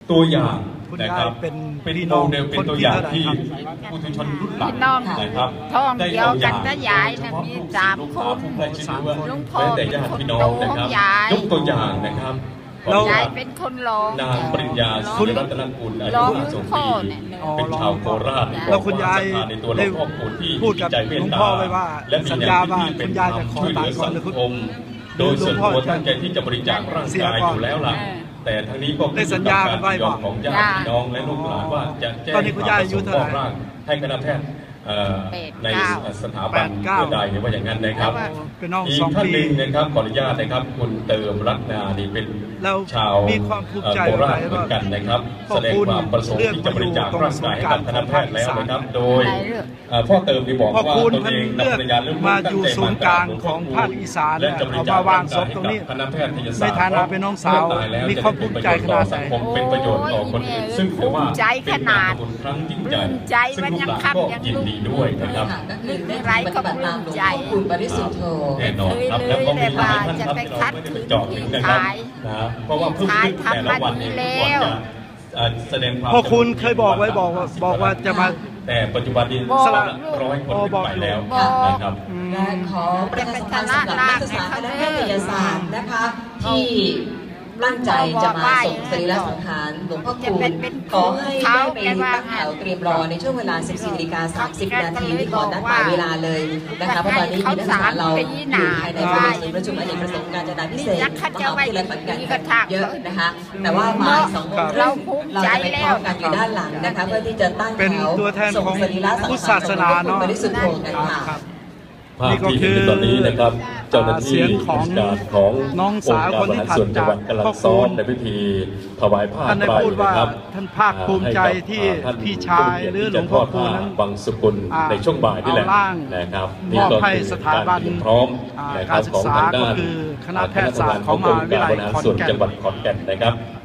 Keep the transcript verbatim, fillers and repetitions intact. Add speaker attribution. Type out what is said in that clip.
Speaker 1: ตัวอย่างนะครับเป็นโมเดลเป็นตัวอย่างที่ผู้ทุชนรุ่นหลังนะครับได้เอาอย่างมีสามคนลุงพ่อแต่ญาติพี่น้องนะครับยกตัวอย่างนะครับยายเป็นคนร้องนางปริญญาสุรัตนกุลอายุห้าสิบปีเป็นชาวโคราช
Speaker 2: แล้วคุณยาย
Speaker 1: ได้
Speaker 2: พูดกับหลวงพ่อไว้ว่าสัญญาว่าคุณยายจะขอตายก่อนเลยคุณ
Speaker 1: โดยส่วนตัวตั้งใจที่จะบริจาคร่างกายอยู่แล้วล่ะแต่ทั้งนี้ก็
Speaker 2: ได้สัญญากันไว้ว่า
Speaker 1: ของญาติพี่น้องและลูกหลานว่าจะแจ้งความประสงค์มอบร่างให้คณะแพทย์ในสถาบันเพื่อใดว่าอย่างนั้นนะครับอีกท่านหนึ่งนะครับขออนุญาตนะครับคุณเติมรัตนานี่เป็นชาวโคราชเหมือนกันนะครับแสดงความประสงค์ที่จะบริจาคร่างกายให้กับคณะแพทย์แล้วนะครับโดยพ่อเติมที่บอกว่าตนเอง
Speaker 2: เลือกมาอยู่ศูนย์กลางของภาคอีสานเอามาวางศพตรงนี้ในฐานะเป็นน้องสาวมีความภูมิใจขนาดไหน
Speaker 1: เป็นประโยชน์ต่อคนอื่นซึ่งถือว่าเป็นการบุญครั้งยิ่งใหญ่ซึ่งลูกหลานก็ยินดีด้วยนะครับ
Speaker 3: ไรก็ปลื้มใจคุณบริสุทธิ์โธ
Speaker 1: แน่นอนครับแล้วก็มีหลายท่านครับที่เราไม่ได้ไปเจาะถึงนะครับนะเพราะว่าเพิ่มขึ้นแต่ละวันเนี่ยก่อนจะแสดงความ
Speaker 2: พ่อคุณเคยบอกไว้บอกว่าบอกว่าจะมา
Speaker 1: แต่ปัจจุบันนี้สละร้อยคนไปแล้วนะครับ
Speaker 3: ขอประชาสัมพันธ์สำหรับนักศึกษาคณะแพทยศาสตร์นะคะที่ตั้งใจจะมาส่งสรีระสังขารหลวงพ่อคูณขอให้ได้ไปตั้งแถวเตรียมรอในช่วงเวลา สิบสี่นาฬิกาสามสิบ นาทีที่ก่อนนัดหมายเวลาเลยนะคะเพราะตอนนี้มีนักศึกษาเราอยู่ภายในบริเวณศูนย์ประชุมอเนกประสงค์การจนาพิเศษมหาวิทยาลัยขอนแก่นเยอะนะคะแต่ว่ามาสองโมงเราจะไปพร้อมกันอยู่ด้านหลังนะคะเพื่อที่จะตั้งแถวส่งสรีระสังขารหลวงพ่อคูณบริสุทธิ์โธกันค่ะ
Speaker 1: ภาพที่เห็นตอนนี้นะครับเจ้าหน้าที่ราชการขององค์การบริหารส่วนจังหวัดกำลังซ้อมในพิธีถวายผ้าไตรนะครับ
Speaker 2: ท่านภาคภูมิใจที่พี่ชายหรือหลวงพ่อคูณนั้น
Speaker 1: บังสุกุลในช่วงบ่ายนี่แหละนะครับ
Speaker 2: นี่ก็คือสถาบัน
Speaker 1: พร้อมนะครับของทางด้านคณะแพทยศาสตร์ของมหาวิทยาลัยขอนแก่นจังหวัดขอนแก่นนะครับ